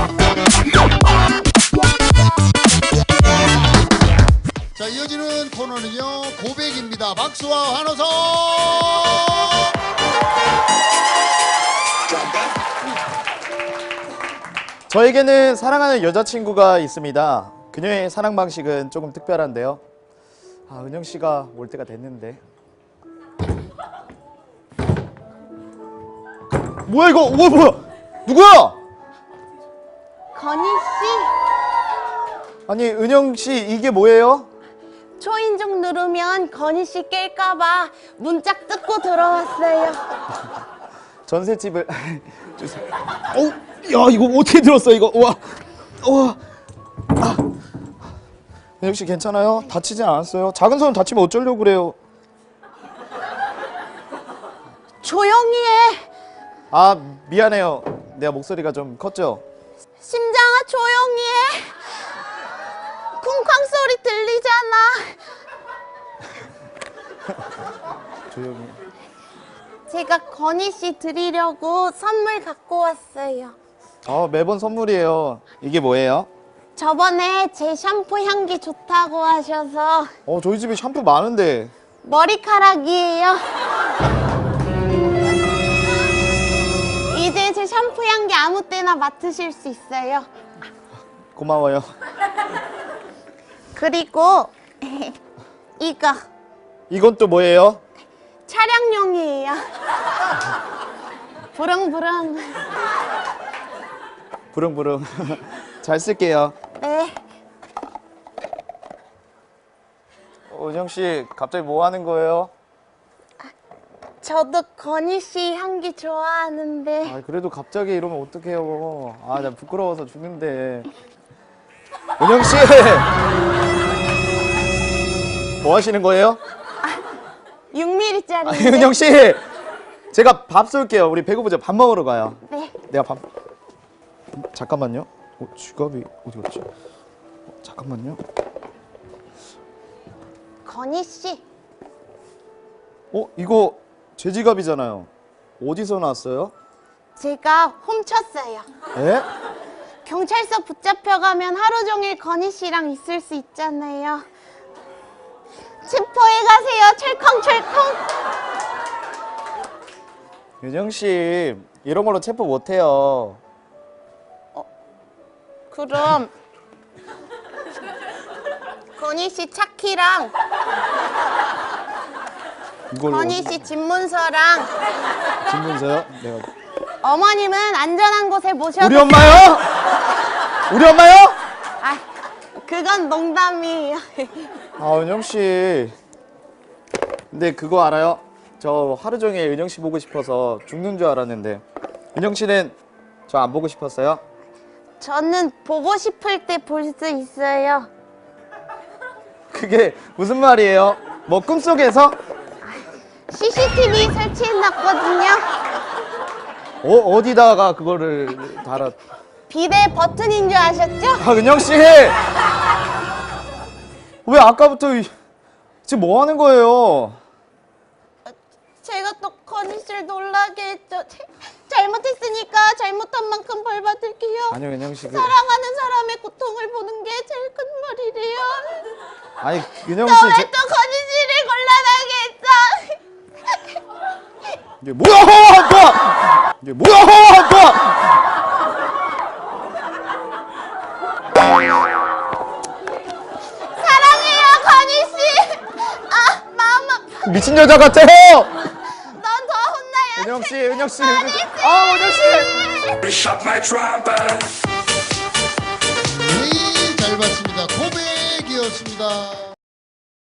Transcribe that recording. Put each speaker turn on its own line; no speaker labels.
자, 이어지는 코너는요, 고백입니다. 박수와 환호성!
저에게는 사랑하는 여자친구가 있습니다. 그녀의 사랑 방식은 조금 특별한데요. 아, 은영 씨가 올 때가 됐는데. 뭐야 이거? 뭐야? 누구야?
건희 씨,
아니 은영 씨 이게 뭐예요?
초인종 누르면 건희 씨 깰까봐 문짝 뜯고 들어왔어요.
전셋집을 주세요. 어우, 야 이거 어떻게 들었어 이거? 와, 와. 아. 은영 씨 괜찮아요? 다치진 않았어요? 작은 손 다치면 어쩌려고 그래요?
조용히 해.
아 미안해요. 내가 목소리가 좀 컸죠?
심장아, 조용히 해. 쿵쾅 소리 들리잖아.
조용히.
제가 건희 씨 드리려고 선물 갖고 왔어요.
매번 선물이에요. 이게 뭐예요?
저번에 제 샴푸 향기 좋다고 하셔서
저희 집에 샴푸 많은데.
머리카락이에요. 이제 제 샴푸 향기 아무 때나 맡으실 수 있어요.
고마워요.
그리고 이거
이건 또 뭐예요?
차량용이에요. 부릉부릉.
부릉부릉. 잘 쓸게요.
네.
은영 씨 갑자기 뭐 하는 거예요?
저도 건희 씨 향기 좋아하는데.
아 그래도 갑자기 이러면 어떡해요. 아 나 부끄러워서 죽는데. 은영 씨. 뭐 하시는 거예요?
6mm짜리.
은영 씨. 제가 밥 쏠게요. 우리 배고프죠? 밥 먹으러 가요.
네.
내가 밥. 잠깐만요. 지갑이 어디 갔지? 잠깐만요.
건희 씨.
이거 제 지갑이잖아요. 어디서 나왔어요?
제가 훔쳤어요.
에?
경찰서 붙잡혀가면 하루 종일 건희 씨랑 있을 수 있잖아요. 체포해 가세요. 철컹철컹.
은영 씨 이런 걸로 체포 못 해요.
그럼 건희 씨 차키랑
이걸로
건희 씨 집문서랑
신문서요? 내가
어머님은 안전한 곳에 모셔도.
우리 엄마요? 우리 엄마요?
아, 그건 농담이에요.
은영 씨. 근데 그거 알아요? 저 하루 종일 은영 씨 보고 싶어서 죽는 줄 알았는데 은영 씨는 저 안 보고 싶었어요?
저는 보고 싶을 때 볼 수 있어요.
그게 무슨 말이에요? 뭐 꿈속에서?
CCTV 설치해놨거든요.
어디다가 그거를 달아?
비대 버튼인 줄 아셨죠?
은영 씨! 왜 아까부터 지금 뭐 하는 거예요?
제가 또 건희 씨를 놀라게 했죠. 잘못했으니까 잘못한 만큼 벌 받을게요.
아니요, 은영 씨.
사랑하는 사람의 고통을 보는 게 제일 큰 말이래요.
아니, 은영
너
씨.
왜 또 건희 씨를 곤란하게 했어?
이게 뭐야, 아빠! 이게 뭐야, 아빠!
사랑해요, 건희 씨. 아, 마음 아파.
미친 여자 같아요!
넌 더 혼나야 돼.
은영 씨, 은영 씨.
건희 씨.
은영 씨!
네, 잘 봤습니다. 고백이었습니다.